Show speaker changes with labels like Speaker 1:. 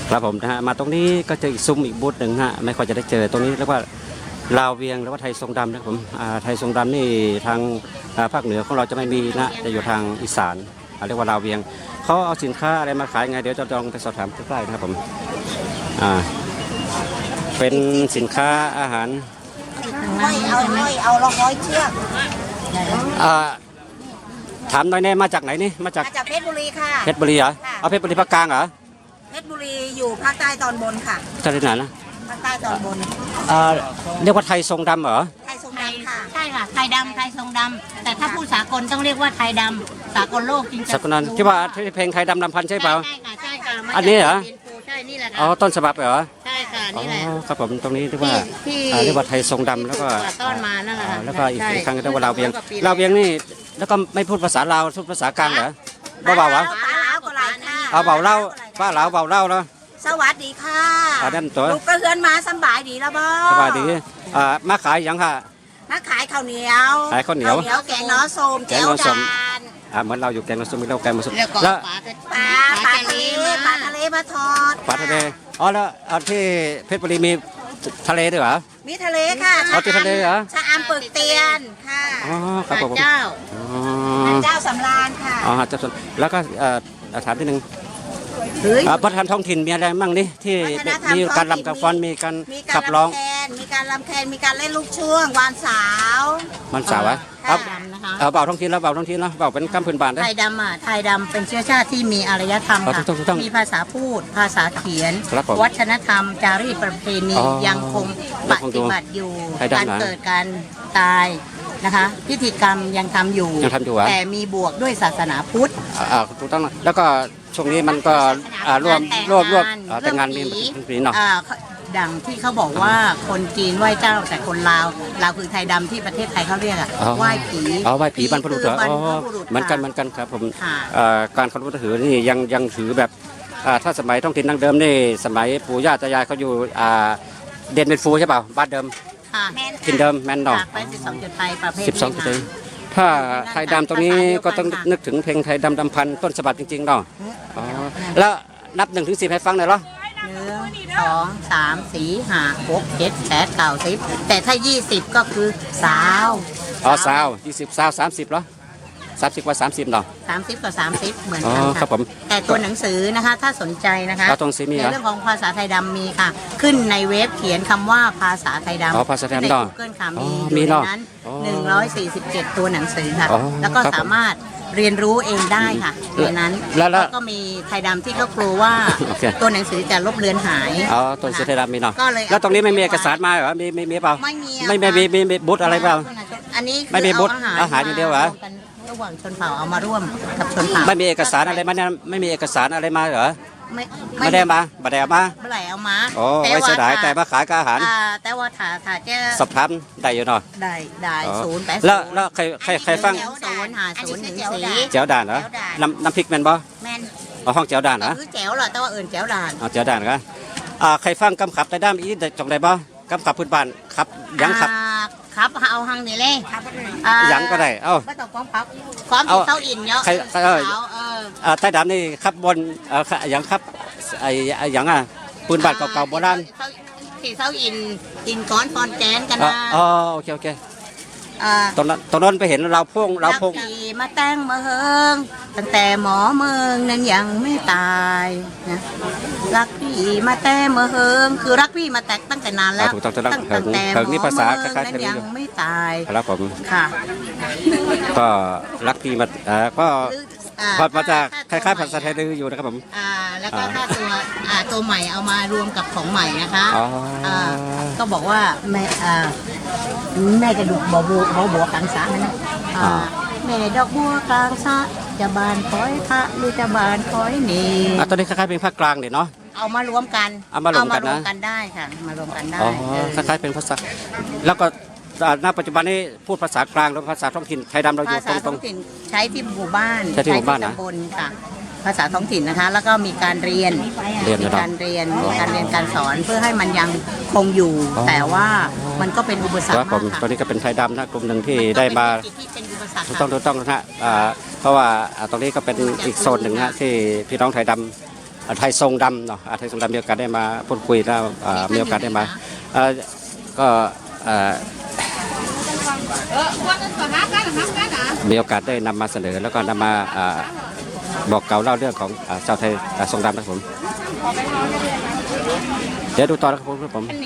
Speaker 1: ครับผมนะฮะมาตรงนี้ก็เจออีกซุ้มอีกบูธหนึ่งฮะไม่ค่อยจะได้เจอตรงนี้เรียกว่าลาวเวียงหรือว่าไทยทรงดำนะครับผมไทยทรงดำนี่ทางภาคเหนือของเราจะไม่มีนะจะอยู่ทางอีสานเรียกว่าลาวเวียงเขาเอาสินค้าอะไรมาขายไงเดี๋ยวจะลองไปสอบถามใกล้ๆนะครับผมเป็นสินค้าอาหาร
Speaker 2: เอาละร้อยเชือก
Speaker 1: ถามหน่อยแน่มาจากไหนนี่มาจาก
Speaker 2: เพชรบุรีค่ะ
Speaker 1: เพชรบุรีเหรอเอาเพชรบุรีภาคกลางเหรอ
Speaker 2: เพชรบุรีอยู่ภาคใต้ตอนบนค่ะ
Speaker 1: ทะเลไหนนะ
Speaker 2: ภาคใต้ตอนบน
Speaker 1: เรียกว่าไทยทรงดำเหรอ
Speaker 2: ไทยทรงดำค่ะ
Speaker 3: ใช่ค่ะไทยดำไทยทรงดำแต่ถ้าพูดสากลต้องเรียกว่าไทยดำสากลโลกจริงๆ
Speaker 1: สากลนั้นที่ว่าเพลงไทยดำลำพันธ์ใช่เปล่า
Speaker 3: ใช่ค่ะใช่ค่ะ
Speaker 1: อันนี้เหรอ
Speaker 3: ใช่นี่แหละค่ะ
Speaker 1: อ๋อต้นฉบับเหรอ
Speaker 3: ใช่ค่ะนี่แหละ
Speaker 1: ครับผมตรงนี้เรียกว่าเรียกว่าไทยทรงดำแล้วก็
Speaker 3: ต้นมานั่นแหละ
Speaker 1: แล้วก็อีกครั้งเรียกว่าลาวเวียงลาวเวียงนี่แล้วก็ไม่พูดภาษาลาวพูดภาษากลางเหรอเบาๆวะเอาเบาเล่าป้าลาวเบาเล่าเนาะ
Speaker 2: สวัสดีค่ะ
Speaker 1: นั่นตัว
Speaker 2: ลูกกระเฮือนมาสบายดีแล้วบ่
Speaker 1: สบายดีมาขายยังค่ะ
Speaker 2: มาขายข้าวเหนียว
Speaker 1: ขายข้าวเหนียว
Speaker 2: แกงน้อส้มแก้วดาน
Speaker 1: เหมือนเราอยู่แกงน้อส้มเราแกงน้อส้ม
Speaker 3: แล้ว
Speaker 2: ปลาทะเลมาทอด
Speaker 1: ปลาทะเลอ๋อแล้วที่เพชรบุรีมีทะเลด้วยเหรอ
Speaker 2: มีทะเลค่ะ
Speaker 1: ที่ทะเลเหรอ
Speaker 2: ชะอำปึกเตียนค่ะ
Speaker 1: อ๋อครับผม
Speaker 3: เจ้า
Speaker 2: เจ้าสำราญค่ะ
Speaker 1: อ๋อเจ้าสำราญแล้วก็ถามที่หนึ่งวัฒนธรรมท้องถิ่นมีอะไรบ้างนี่ที่มีการรำกับฟ้อนมีการขับร้อง
Speaker 2: มีการรำแคนมีการเล่นลูกช่วงวานสาว
Speaker 1: มันสาวอะเบาท้องถิ่นแล้วเบาท้องถิ่นแล้วเบาเป็นกำพื้นบ้านได้
Speaker 3: ไทยดำไทยดำเป็นเชื้อชาติที่มีอารยธรรมค่ะมีภาษาพูดภาษาเขียนวัฒนธรรมจารีตประเพณียังคงปฏิบัติอยู่การเกิดการตายนะคะพิธีกรรมยังทำอยู่แต่มีบวกด้วยศาสนาพุทธ
Speaker 1: ถูกต้องแล้วก็ช่วงนี้มันก็ร่วมแต่งงานมีผีเนาะ
Speaker 3: ดังที่เขาบอกว่าคนจีนไหว้เจ้าแต่คนลาวคือไทยดำที่ประเทศไทยเขาเรียกไหว้ผี
Speaker 1: ไหว้ผีบรรพบุรุษเหรอเหมือนกันครับผมการเคารพนับถือนี่ยังถือแบบถ้าสมัยท้องถิ่นดั้งเดิมนี่สมัยปู่ย่าตายายเขาอยู่เด่นเป็นฟูใช่เปล่าบ้านเดิมถิ่นเดิมแมนดอก
Speaker 3: ไป12จุดไทยประเภท
Speaker 1: 12จุดถ้าไทยดำตรงนี้ก็ต้องนึกถึงเพลงไทยดำพันต้นฉบับจริงๆเนาะแล้วนับ1 ถึง 10ให้ฟังหน่อยเหรอ
Speaker 3: 1 2 3 4 5 6 7 8 9 10แต่ถ้า20ก็คือสาว
Speaker 1: สาว20สาว30เหรอ30กว่า30เนาะ
Speaker 3: 30กับ30เหมือนกัน
Speaker 1: ครับผม
Speaker 3: แต่ตัวหนังสือนะคะถ้าสนใจนะคะในเรื่องของภาษาไทยดำมีค่ะขึ้นในเว็บเขียนคำว่าภาาษาไทยดำ
Speaker 1: ภาษาไทยดำ
Speaker 3: ใน Google ค่ะมีอยู่ในนั้น147ตัวหนังสือค่ะแล้วก็สามารถเรียนรู้เองได้ค่ะในนั้นแล้วก็มีไทยดำที่เขากลัวว่าตัวหนังสือจะลบเลือนหาย
Speaker 1: ตัวหนังสือไทยดำมีเนาะแล้วตรงนี้ไม่มีเอกสารมาเหรอมีเปล่าไม่มีบูธอะไรเปล่า
Speaker 3: อันนี้
Speaker 1: ไม่มีบูธอาหารอย่างเดียวเหรอ
Speaker 3: ระหว่างชนเผ่าเอามาร่วมกับชนเผ่า
Speaker 1: ไม่มีเอกสารอะไรมาเนี่ยไม่มีเอกสารอะไรมาเหรอไม่ได้มาบัดเดมา
Speaker 3: เมื่อไหร่เอามา
Speaker 1: ไม่เสียดายแต่มาขายกับอาหาร
Speaker 3: แต่ว่าถ้าเจ้
Speaker 1: สอบถามได้อยู่เนาะ
Speaker 3: ได้080
Speaker 1: แล้วใครฟัง
Speaker 3: 05014
Speaker 1: แจ๋วด่านเหรอน้ำพริกแมนบ่
Speaker 3: แมน
Speaker 1: ห้องแจ๋วด่านเหรอ
Speaker 3: คือแจ๋วเหรอแต่ว่าแจ๋วด่าน
Speaker 1: แจ๋วด่านก็ใครฟังกำขับแต่ด้ามอีจงได้บ่กำขับพื้นบ้านครับยังขับ
Speaker 3: ครับเอาหังนี่เลย
Speaker 1: ยังก็ได้
Speaker 3: ไม่ต้องความที่เต้าอินเนาะ
Speaker 1: ไทยดำนี่ขับบนยังขับยังปืนบาดเก่าๆโบราณ
Speaker 3: ที่เต้าอินก้อนฟอนแกนกันนะ
Speaker 1: โอเคตอนนั้นไปเห็นเราพง
Speaker 3: มาแต่งมาเฮิงตั้งแต่หมอเมืองนั้นยังไม่ตายนะรักพี่มาแต่มาเฮิงคือรักพี่มาแต่ตั้งแต่นานแล้ว
Speaker 1: ตั้งแต่หมอเมือง
Speaker 3: นั้นยังไม่ตาย
Speaker 1: แล้วผม
Speaker 3: ค่ะ
Speaker 1: ก็รักพี่มาก็พอมาจากคล้ายๆภาษาไทยดื้ออยู่นะครับผม
Speaker 3: แล้วก็ถ้าตัวใหม่เอามารวมกับของใหม่นะคะก็บอกว่าแม่จะดูบัวกลางสระนะแม่ดอกบัวกลางสระจะบานคอยพระหรือจะบานคอยนี่
Speaker 1: ตอนนี้คล้ายๆเป็นภาคกลางเนาะ
Speaker 3: เอามารวมกันได้ค่ะมารวมกันได้
Speaker 1: คล้ายๆเป็นภาษาแล้วก็ณปัจจุบันนี้พูดภาษากลางหรือภาษาท้องถิ่นไทยดำเราอยู่ตรง
Speaker 3: ใช้ที่หมู่บ้าน
Speaker 1: ใช้ที่หมู่บ้านนะ
Speaker 3: ค่ะภาษาท้องถิ่นนะคะแล้วก็มีการเรียนการสอนเพื่อให้มันยังคงอยู่แต่ว่ามันก็เป็นอุปสรรคมากค่ะ
Speaker 1: ตอนนี้ก็เป็นไทยดำนะกลุ่มหนึ่งที่ได้มาถูกต้องนะฮะเพราะว่าตรงนี้ก็เป็นอีกโซนหนึ่งนะที่พี่น้องไทยดำไทยทรงดำเนาะไทยทรงดำมีโอกาสได้มาพูดคุยแล้วมีโอกาสได้มาก็มีโอกาสได้นำมาเสนอแล้วก็นำมาบอกเกล่าวเล่าเรื่องของชาวไทยทรงดำนะครับผมเดี๋ยวดูต่อนะครับผม